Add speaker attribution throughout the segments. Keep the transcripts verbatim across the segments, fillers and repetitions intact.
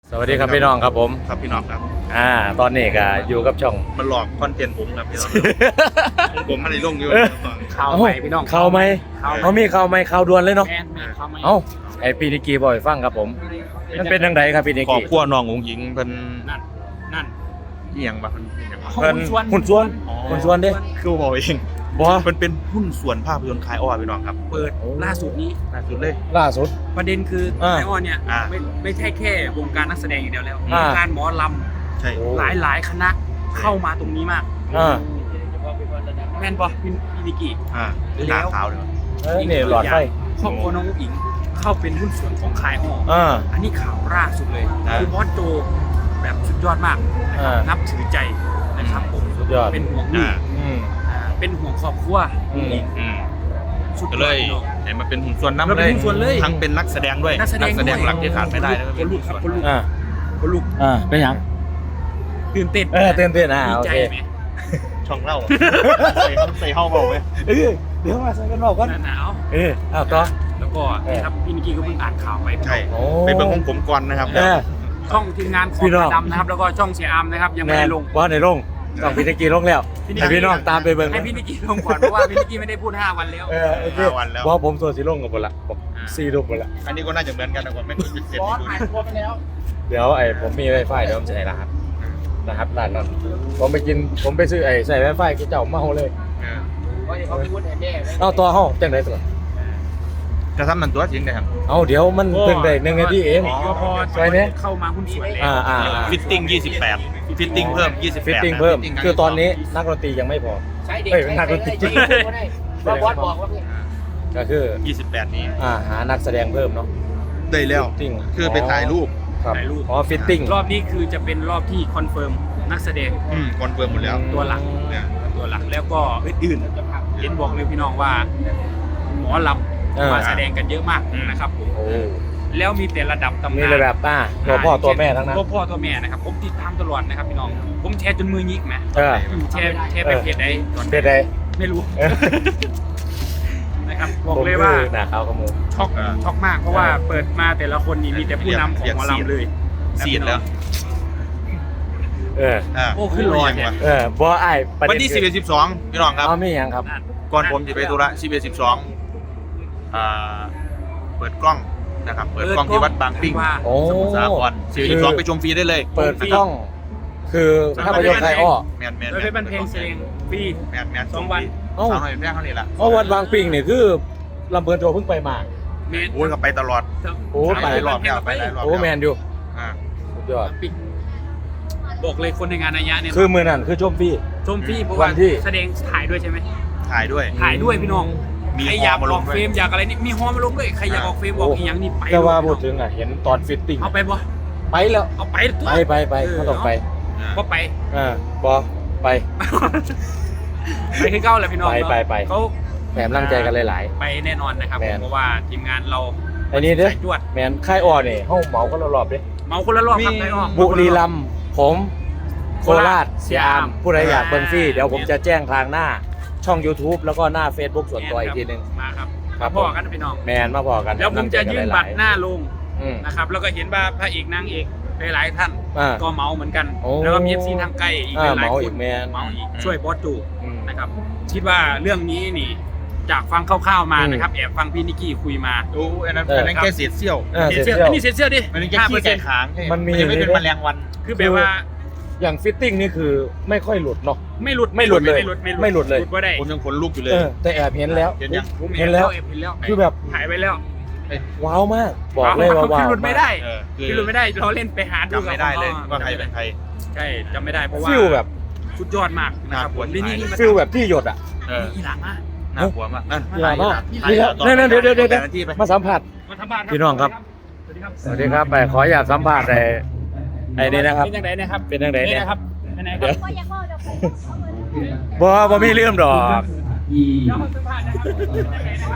Speaker 1: สวัสดีครับพี่น้องครับผม
Speaker 2: ครับพี่น้องครับ
Speaker 1: อ่าตอนนี้ก็อยู่กับช่อง
Speaker 2: มันหลอกคอนเทนต์ผมครับพี่น้องผมไม่ได้ลงอยู่
Speaker 3: ข่าวใหม่พี่น้อง
Speaker 1: ข่าวไหมเขามีข่าวไหมข่าวด่วนเลยเนาะ
Speaker 3: แอนมีข่าวใหม่
Speaker 1: เอ้าไอพี่นิกกี้บอกให้ฟังครับผมมันเป็นยังไงครับพี่นิก
Speaker 2: ขอบ
Speaker 1: กี้
Speaker 2: ครัวน้ององค์หญิงเป็น
Speaker 3: นั่นนั่น
Speaker 2: เอียงบ่เป็นเอียงบ่
Speaker 1: เพิ่น
Speaker 3: หุ้นส่วน
Speaker 1: หุ้นส่วน
Speaker 2: อ๋อ
Speaker 1: หุ้นส่วนเด้
Speaker 2: คือบอกเอง
Speaker 1: บ่
Speaker 2: มันเป็นหุ้นส่วนภาพยนตร์คลายอ้อพี่น้องครับ
Speaker 3: เปิดล่าสุดนี้
Speaker 2: ล่าสุดเลย
Speaker 1: ล่าสุด
Speaker 3: ประเด็นคือ
Speaker 1: อ่า
Speaker 3: ไอออนเนี่ย
Speaker 2: อ่า
Speaker 3: ไม่ไม่ใช่แค่วงการนักแสดงอย่างเดียวแล้ว
Speaker 1: อ่า
Speaker 3: วงการหมอล
Speaker 2: ใช่
Speaker 1: โอ้
Speaker 3: ำหลายหลายคณะเข้ามาตรงนี้มาก
Speaker 1: อ่า
Speaker 3: แมนบอพี่พี่นิกกี้
Speaker 2: อ่าหน้าขาวเลย
Speaker 1: เอ้ยนี่หลอดไฟ
Speaker 3: ครอบครัวน้องอุ๋งอิงเข้าเป็นหุ้นส่วนของคายอ้อ
Speaker 1: อ่า
Speaker 3: อันนี้ข่าวล่าสุดเลยคือบอสโจแบบสุดยอดมากนะครับ
Speaker 1: อ่านั
Speaker 3: นับถือใจนะครับผม
Speaker 1: สุดยอด
Speaker 3: เป็นห่วงลู
Speaker 2: อ่าก
Speaker 1: อืม
Speaker 3: อ่าเป็นห่วงครอบครัว
Speaker 1: อืม
Speaker 3: อุ๋งอิง
Speaker 2: อืม
Speaker 3: สุด
Speaker 2: ก็
Speaker 3: ย
Speaker 2: เล
Speaker 3: อด
Speaker 2: ย
Speaker 3: พี่น้อง
Speaker 2: เห็นมันเป็นหุ้นส่วนน้ำ
Speaker 3: มัน
Speaker 2: เล
Speaker 3: เป็น
Speaker 2: ย
Speaker 3: หุ้นส่วนเลย
Speaker 2: ทั้งเป็นนักแสดงด้วย
Speaker 3: นักแสดงด้วย
Speaker 2: หลักที่ขาดไม่ได้นะ
Speaker 3: คนลุกครับคนลุก
Speaker 1: อ่า
Speaker 3: คนลุก
Speaker 1: อ่าเป็นยัง
Speaker 3: ตื่นเต้น
Speaker 1: เออเต้นเต้นอ่า
Speaker 3: ดี
Speaker 1: โอ
Speaker 3: ใจ
Speaker 1: เค
Speaker 3: ไหม
Speaker 2: ช่องเล่าใส่ใส่เข้าเบาไหม
Speaker 1: เออเดี๋ยวมาใส่กันบอกก่อน
Speaker 3: หนาว
Speaker 1: เออเอาต่อ
Speaker 3: แล้วก็นี่ครับพี่นิกกี้ก็เพิ่งอ่านข่าวไป
Speaker 2: ใช่
Speaker 1: โอ้
Speaker 2: ไปเบิ่งของผมก่อนนะครับ
Speaker 1: เออ
Speaker 3: ช่องทีมงานของ
Speaker 1: พี่น้อง
Speaker 3: ดำนะครับ แล้วก็ช่องเสียอามนะครับยังไม่
Speaker 1: แม่
Speaker 3: ได้
Speaker 1: น
Speaker 3: ลง
Speaker 1: ว่าในลงต้องพี่นิกกี้ลงแล้ว
Speaker 3: พี่นิกกี้
Speaker 1: ให้พี่น้องตามไปเบิ่ง
Speaker 3: ให้พี่นิกกี้ลงก่อนเพราะว่าพี่นิกกี้ไม่ได้พูดห้าวันแล้ว
Speaker 1: เออโอเค
Speaker 2: ห้าวันแล้ว
Speaker 1: เพราะผมส่วนสีลงกับหมดละบอกซีลูกหมดละ
Speaker 2: อันนี้ก็น่าจะเหมือนกันนะก่อนไม่เป็นเจ็ด
Speaker 3: บอส
Speaker 2: ดู
Speaker 3: หาย
Speaker 2: ดิ
Speaker 3: ตัวไปแล้ว
Speaker 1: เดี๋ยวไอ้ผมมีไวไฟเดี๋ยวผมจะให้รหัสนะครับร้านนั้นผมไปกินผมไปซื้อไอ้ใส่ไวไฟกูเจ้าเมาเลย
Speaker 2: เออ
Speaker 3: ว่าเขาไปพูดแทนแม่เลย
Speaker 1: เอาตัวห้องจังไดตัว
Speaker 2: จะทำมันตัวจริงได้ครับ
Speaker 1: เอาเดี๋ยวมันเพิ่งได้หนึ่งนาทีเอง
Speaker 3: ก็พอ
Speaker 1: ใช่เนี่ย
Speaker 3: เข้ามาหุ้นส่วนแล้ว
Speaker 1: อ่าอ่า
Speaker 2: ฟิตติ้งยี่สิบแปดฟิตติ้งเพิ่มยี่สิบแปด
Speaker 1: ฟิตติ้งเพิ่มคือตอนนี้นักดนตรียังไม่พอ
Speaker 3: ใช้เด็ก
Speaker 1: เอ้ย
Speaker 3: ใช้
Speaker 1: นักดนตรี
Speaker 3: ใช้ใช้ใช้ว่าบอสบอกว่าพี่
Speaker 1: ก็คือ
Speaker 2: ยี่สิบแปดนี้
Speaker 1: อ่าหานักแสดงเพิ่มเนาะ
Speaker 2: ได้แล้ว
Speaker 1: ฟิตติ้ง
Speaker 2: คือไปถ่ายรูป
Speaker 1: ครับ
Speaker 3: ถ่ายรูป
Speaker 1: อ๋อฟิตติ้ง
Speaker 3: รอบนี้คือจะเป็นรอบที่คอนเฟิร์มนักแสดง
Speaker 2: อืมคอนเฟิร์มหมดแล้ว
Speaker 3: ตัวหลัก
Speaker 2: เนี่ย
Speaker 3: ตัวหลักแล้วก็อื่นๆเห็นบอกเลยพี่น้องว่า หมอล
Speaker 1: เออ
Speaker 3: ำมาแสดงกันเยอะมากนะครับผม
Speaker 1: โอ้
Speaker 3: แล้วมีแต่ระดับตำ
Speaker 1: มี
Speaker 3: นาน
Speaker 1: เลยแบบอ่าตัวพ่อตัวแม่ทั้งนั้น
Speaker 3: ตัวพ่อตัวแม่นะครับผมติดตามตลอดนะครับพี่น้อง ผมแชร์จนมือยิกนะ
Speaker 1: เออ
Speaker 3: แชร์แชร์ไปเพจไหนตอน
Speaker 1: เป็นไง
Speaker 3: ไม่รู้
Speaker 1: เออ
Speaker 3: นะครับบอกเลยว่า
Speaker 1: ผมคือหนาขาวขมู
Speaker 3: ช็อกช็อกมากเพราะว่าเปิดมาแต่ละคนนี่มีแต่ผู้นำของหมอลำเลย
Speaker 2: ซีดแล้ว
Speaker 1: เออ
Speaker 2: อ่า
Speaker 3: โอ้ขึ้นรอยเนี่ย
Speaker 1: เออบ่ไอ้ประ
Speaker 2: วัน
Speaker 1: เด็น
Speaker 2: ที่
Speaker 1: คื
Speaker 2: สิบ
Speaker 1: อ
Speaker 2: เอ็ดสิบสองพี่น้องครับ
Speaker 1: เอาไม่ยังครับ
Speaker 2: ก่อนผมจะไปธุระสิบเอ็ดสิบสองอ่าเปิดกล้องนะครับ เปิดกล้องที่วัดบางปิ้ง
Speaker 3: ว่า
Speaker 1: โอ้
Speaker 2: สมุทรสาครสิบเอ็ดสิบสองไปชมฟรีได้เลย
Speaker 1: เปิดกล้อง คือภาพยนตร์ไทยอ้อ
Speaker 2: แมนแมน
Speaker 3: โดยเป็นเพลงเสียงฟรี
Speaker 2: แมนแมน
Speaker 3: สองวัน
Speaker 1: เอ้า
Speaker 2: สองหน่อยแรกเท่านี้ละ
Speaker 1: เพราะวัดบางปิงเนี่ยคือลำเพลินโจเพิ่งไปมา
Speaker 3: เมน
Speaker 2: โอ้ยก็ไปตลอด
Speaker 1: โอ้
Speaker 2: ไปหลายรอบแล้วไปหลายรอบ
Speaker 1: โอ้แมนอยู่
Speaker 2: อ่า
Speaker 1: สุดยอด
Speaker 3: ปิกบอกเลยคนในงานอายะเนี่ย
Speaker 1: คือมือนั่นคือชมฟรี
Speaker 3: ชมฟรีเพราะ
Speaker 1: วั
Speaker 3: ว่าน
Speaker 1: ที่
Speaker 3: แสดงถ่ายด้วยใช่ไหม
Speaker 2: ถ่ายด้วย
Speaker 3: ถ่ายด้วยพี่น้อง
Speaker 2: มี
Speaker 3: ใครอยาก
Speaker 2: ฮอมา
Speaker 3: อ
Speaker 2: ล
Speaker 3: อง ก
Speaker 2: ด้วย
Speaker 3: เฟรมอยากอะไรนี่มีฮอมาลงด้วยใครอยากออกเฟรมออกอีกอย่างนี่ไป
Speaker 1: แต่ว่า
Speaker 3: เลย
Speaker 1: พูดถึงอ่ะเห็นตอนฟิตติ้ง
Speaker 3: เอาไปบ่
Speaker 1: ไปแล้ว
Speaker 3: เอาไปตัว
Speaker 1: ไปไปไปเขาต้องไป
Speaker 3: ก็ไป
Speaker 1: อ่าบอไป
Speaker 3: ไปคือเก้าแหละพี่น้อง
Speaker 1: ไปไปไป
Speaker 3: เขา
Speaker 1: แถมร่างใจกันหลาย
Speaker 3: ไปแน่นอนนะครับ
Speaker 1: แมน
Speaker 3: เพราะว่าทีมงานเรา
Speaker 1: ๆอันนี้เด้อ
Speaker 3: ใส่จวด
Speaker 1: แมนค่ายอ้อเนี่ยห้องเหมาก็รอบๆเด้อ
Speaker 3: เมาคนละรอบครับ
Speaker 2: มี
Speaker 3: ไอ้อ้อ
Speaker 1: บุรีรัมย์ผมโคราช
Speaker 3: เสี
Speaker 1: เสี
Speaker 3: ย
Speaker 1: ย
Speaker 3: อาม
Speaker 1: อามผู้ใดอยากเบิ่งฟรี
Speaker 3: อ่า
Speaker 1: เดี๋ยวผมจะแจ้งทางหน้าช่อง YouTube แล้วก็หน้า Facebook ส่วนตัวอีกทีหนึง
Speaker 3: มาครับ
Speaker 1: ครั
Speaker 3: มา
Speaker 1: บ
Speaker 3: พ่อกันนะพี่น้อง
Speaker 1: แมนมาพอกัน
Speaker 3: แล้วผมจะยื่นบัตรหน้าลง
Speaker 1: อืม
Speaker 3: นะครับ แล้วก็เห็นว่าพระเอกนางเอกหลายๆท่าน
Speaker 1: อ่า
Speaker 3: ก็เมาเหมือนกัน
Speaker 1: โอ้
Speaker 3: แล้วก็มีเอฟซีทางใกล้อีกห
Speaker 1: อ่า
Speaker 3: ลาย
Speaker 1: เมา
Speaker 3: ๆค
Speaker 1: อี
Speaker 3: น
Speaker 1: กแมน
Speaker 3: เมาอีกช่วยบอสจู
Speaker 1: อืม
Speaker 3: นะครับ คิดว่าเรื่องนี้นี่ จากฟังคร่าวๆมา
Speaker 1: อืม
Speaker 3: นะครับ แอบฟังพี่นิกกี้คุยมา
Speaker 2: โอ้อันนั้น
Speaker 1: เออ
Speaker 2: อันนั้นแค่เศษเสี้ยว
Speaker 1: เออ
Speaker 3: เสีย
Speaker 1: เสร็จ
Speaker 3: เสื้อ
Speaker 1: แล้ว
Speaker 3: อันนี้เสียเสื้อดิ
Speaker 2: มันเป็นแค่
Speaker 3: ห้าเปอ
Speaker 2: ขี้
Speaker 3: ร์เซ็
Speaker 2: ไก่
Speaker 3: นต์
Speaker 2: ค้าง
Speaker 1: มันมี
Speaker 2: ยังไม่เป็น
Speaker 1: อยู่
Speaker 2: แม
Speaker 1: ใน
Speaker 2: ลงวัน
Speaker 3: คือแบบว่า
Speaker 1: อย่างฟิตติ้งนี่คือไม่ค่อยหลุดเนาะ
Speaker 3: ไม่หลุด
Speaker 1: ไม่หลุดเลย
Speaker 3: ไม่หลุด
Speaker 1: ไม่หลุดเลย
Speaker 3: หลุดว่าได้
Speaker 2: ผมยังขนลุกอยู่เลย
Speaker 1: เออแต่แอบเห็นแล้ว
Speaker 2: เห็นยัง
Speaker 3: ผม
Speaker 1: เห็นแล้ว
Speaker 3: เห็นแล้ว
Speaker 1: คือแบบ
Speaker 3: ถ่ายไปแล้ว
Speaker 1: ว้าวมาก บอกเลยว่าว้าว
Speaker 3: คือหลุดไม่ได้
Speaker 2: เออคือ
Speaker 3: คือหลุดไม่ได้เราเล่นไปหาดู
Speaker 2: จำไม่ได้เลยว่าใครเป็นใคร
Speaker 3: ใช่จำไม่ได้เพราะว่า
Speaker 1: ฟิลแบบ
Speaker 3: สุดยอดมากนะครับ
Speaker 2: น่ากลัว
Speaker 3: นี่นี่นี่มา
Speaker 1: ฟิลแบบที่หยดอ่ะ
Speaker 2: เออ
Speaker 3: อีหลังมา
Speaker 2: น่ากลัวมากนั่น
Speaker 1: อีหลังมาก
Speaker 2: ถ่าย
Speaker 1: นี่ครับ
Speaker 2: ต่อ
Speaker 1: นั่นๆเดี๋ยวเดี๋ยวเดี๋ยว
Speaker 2: แต่ละที่ไป
Speaker 1: มาสัมผัส
Speaker 3: มาทำบ้าน
Speaker 1: พี่น้องครับ
Speaker 3: สวัสดีครับ
Speaker 1: สวัสดีครับไปขออยากสัมภาษณ์ไอ้ไอ้นี่นะครับ
Speaker 3: เป็นยังไงนะครับ
Speaker 1: เป็นยังไงเนี่ย
Speaker 3: นะครับเป็นยังไงค
Speaker 1: เดี๋
Speaker 3: รั
Speaker 1: ยว
Speaker 3: บ
Speaker 4: ก็ยังว่าเดี๋ยวผมเอาเงิน
Speaker 1: บ่บ่มีเรื่องดอก
Speaker 3: เดี๋ยวมาสัมภาษณ์นะครับเป็นยังไง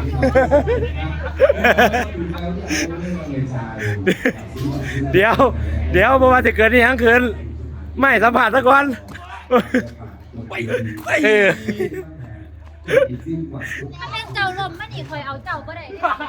Speaker 3: นะครับ
Speaker 1: เดี๋ยว เดี๋ยวบ่ว่าจะเกิดนี่ยังคืนไม่สัมผัสซะก่อน
Speaker 3: ไปไป
Speaker 1: เออ
Speaker 4: ถ้าแม่งเจ้าลมมันอีกคอยเอาเจ้าก็ได้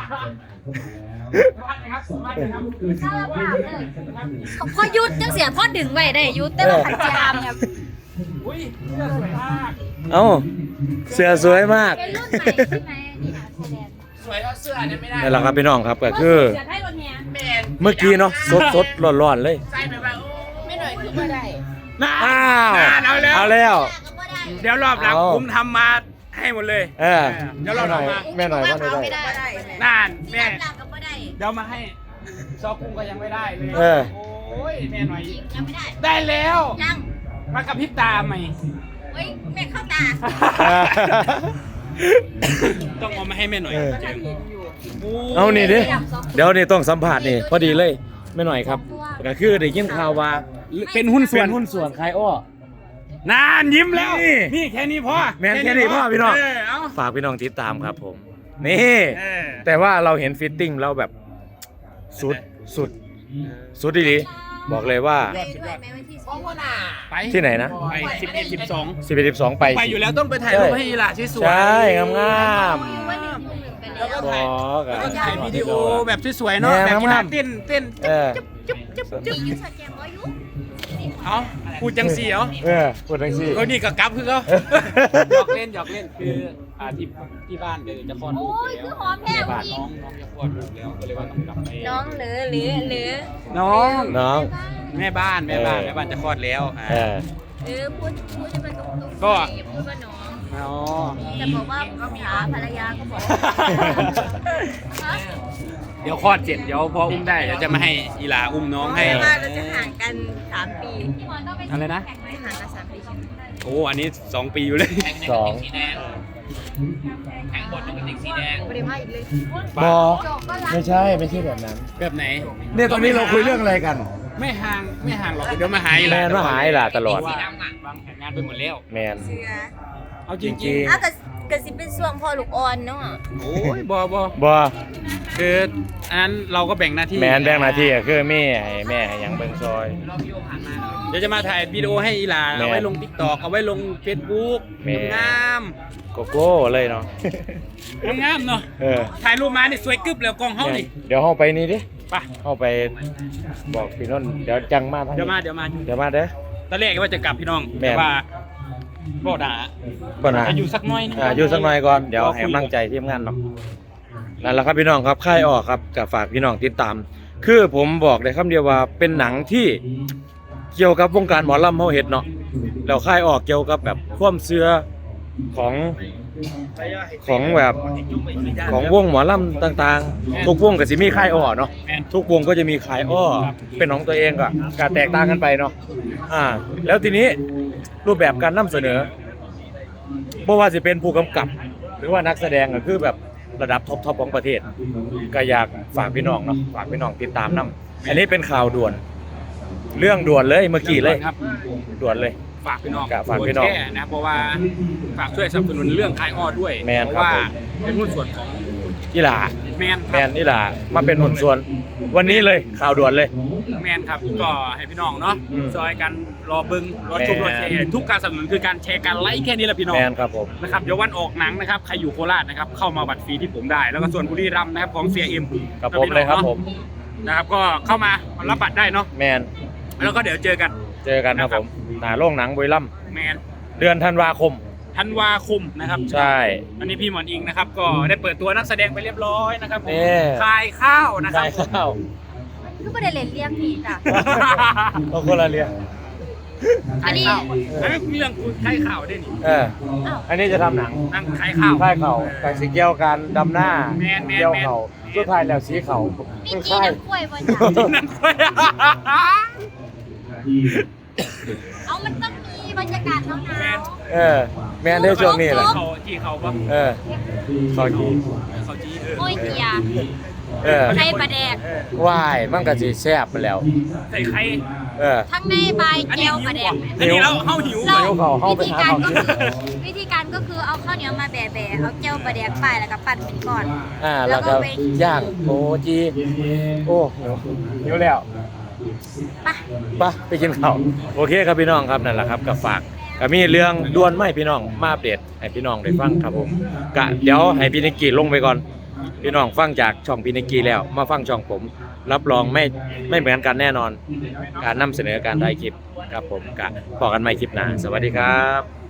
Speaker 3: วัดนะครับวัดนะครับ
Speaker 4: ถ้าเราผ่านเลยพอยุดจังเสียพอดึงไว้ได้ยุดแต่ว่าขันจามครับ
Speaker 3: อุ้ยเสื้อสวยมาก
Speaker 1: เอ้าเสื้อสวยมาก
Speaker 4: เป็นรุ่นใหม่ใช่ไหมนี่ค่ะแสดง
Speaker 3: สวยเท่าเสื้อเนี่ยไม่ได้
Speaker 1: นี่แหละครับพี่น้องครับก็คือ
Speaker 4: เสียให้รถแฮ
Speaker 3: แมน
Speaker 1: เมื่อกี้เนาะสดสดร้อนร้อนๆเลย
Speaker 3: ใส่ไปแบบโอ้
Speaker 4: ไม่หน่อยคือไม่ได้
Speaker 3: น่า
Speaker 1: อ้าว
Speaker 3: เอาแล้ว
Speaker 1: เอาแล้ว
Speaker 4: ก็ไม่ได้
Speaker 3: เดี๋ยวรอบหลัง
Speaker 1: เอา
Speaker 3: ผมทำมาให้หมดเลย
Speaker 1: เออ
Speaker 3: เดี๋ยวเรา
Speaker 1: แม่หน่อย
Speaker 3: ทำมา
Speaker 1: แม่หน่อยว่าได้
Speaker 4: ไม่ได้
Speaker 3: น่าน
Speaker 4: ที่
Speaker 3: แม่
Speaker 4: รับหลังก็ไม่ได้
Speaker 3: เดี๋ยวมาให้ซอกุ้งก็ยังไม่ได้เลย
Speaker 1: เออ
Speaker 3: โอ้ยแม่หน่อย
Speaker 4: จริงยังไม่ได้
Speaker 3: ได้แล้ว
Speaker 4: ยัง
Speaker 3: มากระพริบตาใหม่
Speaker 4: เฮ้ยแม่เข้าตา
Speaker 3: ต้องเอามาให้แม่หน่อย
Speaker 1: เออ
Speaker 3: จริงโอ้
Speaker 1: เอานี่ดิเดี๋ยวนี่ต้องสัมผัสนี่พอดีเลยแม่หน่อยครับก็คือได้ยินข่าวว่า
Speaker 3: เป็นหุ้นส่
Speaker 1: เป็
Speaker 3: วน
Speaker 1: นหุ้นส่วนใครอ้อน
Speaker 3: านยิ้มแล้ว
Speaker 1: นี่
Speaker 3: นี่แค่นี้พอ
Speaker 1: แม่นแค่นี้พอพี่น้อง
Speaker 3: เเอา
Speaker 1: ฝากพี่น้องติดตามครับผม นี่
Speaker 3: เออ
Speaker 1: แต่ว่าเราเห็นฟิตติ้งเราแบบสุดสุดสุดดีๆบอกเลยว่า
Speaker 4: ไปด้วยแม่วันที่สิบ
Speaker 3: ไป
Speaker 1: ที่ไหนนะ
Speaker 3: ไปสิบเอ็ดสิบสอง
Speaker 1: สิบเอ็ดสิบสองไป
Speaker 3: ไปอยู่แล้วต้องไปถ่ายรูปให้อีหล่าที่สวย
Speaker 1: ใช่งามงาม
Speaker 4: วันหนึ่งหนึ่งไป
Speaker 3: แล้
Speaker 4: แล้ว ว
Speaker 3: ก็
Speaker 1: ๆบ
Speaker 3: ถ่าย
Speaker 1: อกอะ
Speaker 3: แล้วก็ถ่ายวิดีโอแบบสวยๆเนาะ
Speaker 1: แน
Speaker 3: แบบ
Speaker 1: ว
Speaker 3: กีฬาง
Speaker 1: ามๆ
Speaker 3: เต้นเต้น
Speaker 1: เออ
Speaker 4: มียูสแกมก็ยุ
Speaker 3: เอาพูดจังสีเหรอ
Speaker 1: เออพูดทังสี่
Speaker 3: เออนี่กับกั๊บคือเขาหยอกเล่นหยอกเล่นคืออ่าที่ที่บ้านเดี๋ยวจะคลอดลู
Speaker 4: โอ้
Speaker 3: ก
Speaker 4: ย
Speaker 3: แล้ว
Speaker 4: คือหอมแพง
Speaker 3: บ้าน
Speaker 4: จริ
Speaker 3: น้
Speaker 4: ง
Speaker 3: องน้องจะคลอดลูกแล้วก็เลยว่าต้องกลับไป
Speaker 4: น้องหรือหรือหรือ
Speaker 3: น้อง
Speaker 1: น้อง
Speaker 3: แม่บ้านแม่บ้าน
Speaker 1: เออ
Speaker 3: แม่บ้านจะคลอดแล้วอ่า
Speaker 1: เออ
Speaker 4: หรือพูดพูดให้มันตรงๆ
Speaker 3: ก็
Speaker 4: อย่าพูดว่าน้อง
Speaker 3: อ๋อ
Speaker 4: แต่บอกว่าขาภรรยาก็บอกฮะ
Speaker 3: เดี๋ยวคลอดเสร็จเดี๋ยวพออุ้มได้เดี๋ยวจะมาให้อีหลาอุ้มน้องให้
Speaker 4: ว่าเราจะห่างกันสามปีพี่มอนต้องไป
Speaker 3: อะไรนะ
Speaker 4: จะห่างกันสามปีใช่ไหม
Speaker 3: โอ้อันนี้สองปีอยู่เลย
Speaker 1: สอง
Speaker 4: ไม่ได้มาอีกเลย
Speaker 1: บอ
Speaker 4: จบก็รัก
Speaker 1: ไม่ใช่ไม่ใช่แบบนั้น
Speaker 3: แบบไหน
Speaker 1: เนี่ยตอนนี้เราคุยเรื่องอะไรกัน
Speaker 3: ไม่ห่างไม่ห่างหรอกเดี๋ยวมาหาอีห
Speaker 1: แม
Speaker 3: ลาน
Speaker 1: มาหาอีหลาตลอด
Speaker 3: วางวางแผนงานไปหมดแล้ว
Speaker 1: แมน
Speaker 4: เสือ
Speaker 3: เอาจริง
Speaker 1: จริง
Speaker 4: อ้าวแต่กระสิเป็นส่วงพอลูกอ่อนเนาะ
Speaker 3: ๆโอ้ยบอบอบ
Speaker 1: อ
Speaker 3: คืออันนั้นเราก็แบ่งหน้าที่
Speaker 1: แมนแบ่งหน้าที่ก็คือแม่ให้แม่ให้หยังเบิ่งซอย
Speaker 3: เดี๋ยวจะมาถ่ายวิดีโอให้อีหลา
Speaker 1: แม่
Speaker 3: เอาไว้ลงทิกตอกเอาไว้ลงเฟซบุ๊ก
Speaker 1: แม่
Speaker 3: งาม
Speaker 1: โกโก้เลยเนาะ
Speaker 3: งามงามๆเนาะ
Speaker 1: เออ
Speaker 3: ถ่ายรูปมานี่สวยกึบเลยกล้องเฮานี่
Speaker 1: เดี๋ยวเฮาไปนี่ดิ
Speaker 3: ไป
Speaker 1: เฮาไปบอกพี่นนท์เดี๋ยวจังมาทาง
Speaker 3: เดี๋ยวมา
Speaker 1: นี้
Speaker 3: เดี๋ยวมา
Speaker 1: เดี๋ยวมาเด้อ
Speaker 3: ตอนแรกว่าจะกลับพี่น้อง
Speaker 1: แม่
Speaker 3: แต่ว่าบ่ด่า
Speaker 1: ก่อนนะ
Speaker 3: จะอยู่สักหน่อยนึง
Speaker 1: อ่าอยู่สักหน่อยก่อนเดี๋ยวให้กำลังใจทีมงานเนาะนั่นแหละครับพี่น้องครับค่ายออกครับกับฝากพี่น้องติดตาม คือผมบอกได้คำเดียวว่าเป็นหนังที่เกี่ยวกับวงการหมอลำเฮาเฮ็ดเนาะแล้วค่ายออกเกี่ยวกับแบบความเชื่อของของแบบของวงหมอลำต่างๆ ทุกวงก็สิมีค่ายอ้อเนาะ
Speaker 3: แม่น
Speaker 1: ทุกวงก็จะมีค่ายอ้อเป็นของตัวเองก็การแตกต่างกันไปเนาะอ่า แล้วทีนี้รูปแบบการนำเสนอบ่ว่าสิเป็นผู้กำกับ หรือว่านักแสดงก็คือแบบระดับท็อปๆของประเทศ ก็อยากฝากพี่น้องเนาะฝากพี่น้องติดตามนํอันนี้เป็นข่าวด่วน เรื่องด่วนเลยเมื่อกี้เลย
Speaker 3: ครับ
Speaker 1: ด่วนเลย
Speaker 3: ฝากพี่น้อง
Speaker 1: ฝากพี่น้อง
Speaker 3: แค่นะเพราะว่าฝากช่วยสนับสนุนเรื่องคายอ้อด้วย
Speaker 1: แมน
Speaker 3: เพ
Speaker 1: ครับ
Speaker 3: ราะว่า
Speaker 1: ผม
Speaker 3: เป็นหุ้นส่วนของ
Speaker 1: อีหลา
Speaker 3: แมน
Speaker 1: แมนนี่ล่ะมาเป็นหุ่นส่วน วันนี้เลยข่าวด่วนเลย
Speaker 3: แมนครับก็ให้พี่น้องเนาะ
Speaker 1: อืม
Speaker 3: ซอยกันรอเบึงรอชม
Speaker 1: แมน
Speaker 3: รอแชร์ทุกการสนับสนุนคือการแชร์การไลค์แค่นี้แหละพี่น้อง
Speaker 1: แมนครับผม
Speaker 3: นะครับเดี๋ยววันออกหนังนะครับใครอยู่โคราชนะครับเข้ามาบัตรฟรีที่ผมได้ แล้วก็ส่วนบุรีรัมย์นะครับของเสียเอ็ม
Speaker 1: กับผมเลยครับผม
Speaker 3: นะครับก็เข้ามารับบัตรได้เนาะ
Speaker 1: แมน
Speaker 3: แล้วก็เดี๋ยวเจอกัน
Speaker 1: เจอกันครับผมหนาโรงหนังบุรีรัมย์
Speaker 3: แมน
Speaker 1: เดือนธันวาคม
Speaker 3: ธันวาคมนะครับ
Speaker 1: ใช่
Speaker 3: อันนี้พี่หมอนอิงนะครับก็ได้เปิดตัวนักแสดงไปเรียบร้อยนะครับผม
Speaker 1: เอ๊ะ
Speaker 3: คายข้าวนะครั
Speaker 1: ได้
Speaker 3: บ
Speaker 1: ข้าว
Speaker 4: คือไม่ได้เล่นเลี้ยงพี่จ้ะ
Speaker 1: เอาคนละเรียง
Speaker 4: อันนี้
Speaker 3: ขายข้าวอันนี้เรื่องคุณคายข้าวด้วยนี่
Speaker 1: เออ
Speaker 4: อ้าว
Speaker 1: อันนี้จะทำหนัง
Speaker 3: นั่งขายข้าว
Speaker 1: ค่ายเขาแต่สีเกี่ยวกันดำหน้า
Speaker 3: แมนแมน
Speaker 1: เกี่ยว
Speaker 3: แมน
Speaker 1: เขาสุดท้ายแล้วสีเขา
Speaker 4: มี
Speaker 1: คือ
Speaker 4: จี
Speaker 1: ค่าย
Speaker 4: น้ำกล้วยบนจ้ะ
Speaker 3: นั่งคุย
Speaker 4: เอามันต้องมีบรรยากาศหนาว
Speaker 1: เออ แมนได้ช่วงนี้แหละ
Speaker 3: เขาที่เขาปะ
Speaker 1: เออขอกี
Speaker 3: เขาจีเออ
Speaker 4: ๆโอ้ยเกียร์
Speaker 1: เออ
Speaker 4: ไข่ปลาแดก
Speaker 1: วายมันก็สิแซ่บไปแล้ว
Speaker 3: ใส่ไข่
Speaker 1: เออ
Speaker 4: ทั้งในใบ
Speaker 3: อัน
Speaker 4: เจ
Speaker 3: นี้
Speaker 4: ล
Speaker 3: หิว
Speaker 4: ปลาแด
Speaker 3: ก
Speaker 4: ก
Speaker 3: ว่าอันนี้เราเข้าหิว
Speaker 4: เรา
Speaker 1: หิวเขาเข้าไป
Speaker 4: วิธี
Speaker 1: หา
Speaker 4: การ
Speaker 1: ของ
Speaker 4: ก็
Speaker 1: กิน
Speaker 4: คือวิธีการก็คือเอาข้าวเหนียวมาแบะๆเอาเจลปลาแดกไปแล้วก็ปั่นเป็นก้อน
Speaker 1: อ่าแล้วก็ย่างโอ้จีโอ้หิวหิวแล้ว
Speaker 4: ไป
Speaker 1: ไปไปกินข้าวโอเคครับพี่น้องครับนั่นแหละครับกับฝากก็มีเรื่องด่วนไม่พี่น้องมาอัปเดตให้พี่น้องได้ฟังครับผมกะเดี๋ยวให้พี่นิกกี้ลงไปก่อนพี่น้องฟังจากช่องพี่นิกกี้แล้วมาฟังช่องผมรับรองไม่ไม่เหมือนกันแน่นอน การนำเสนอการถ่ายคลิปครับผมกะพอกันใหม่คลิปหน้าสวัสดีครับ